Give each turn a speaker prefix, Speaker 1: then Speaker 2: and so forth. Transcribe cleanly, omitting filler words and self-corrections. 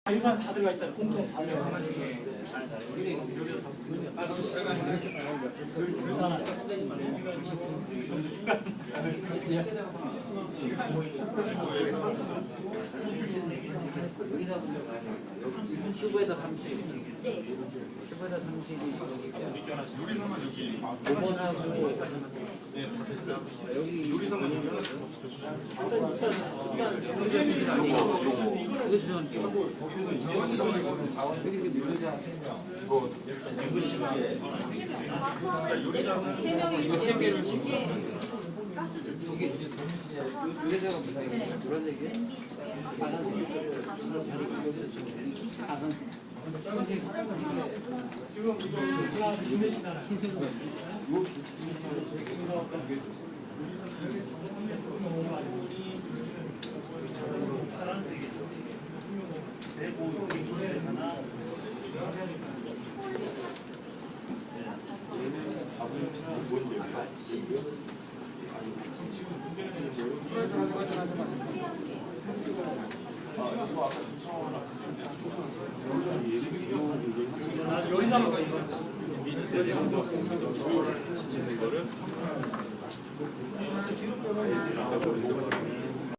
Speaker 1: 이거 다 들어가 있잖아. 공통 다 들어가.
Speaker 2: 큐브에다 30.
Speaker 3: 네.
Speaker 2: 큐브에다 30이
Speaker 4: 요리사만 여기
Speaker 2: 5번하고
Speaker 4: 네, 다 됐어요.
Speaker 2: 여기
Speaker 4: 요리사만 여기 하나
Speaker 2: 이거 죄송합니다. 여기 이렇게
Speaker 3: 세 명이 두개 가스도 두개
Speaker 2: 요리사가 무슨 노란색이에요?
Speaker 1: 지금 이거 인내시잖아. 흰색으로. 여기서 한번
Speaker 4: 이거를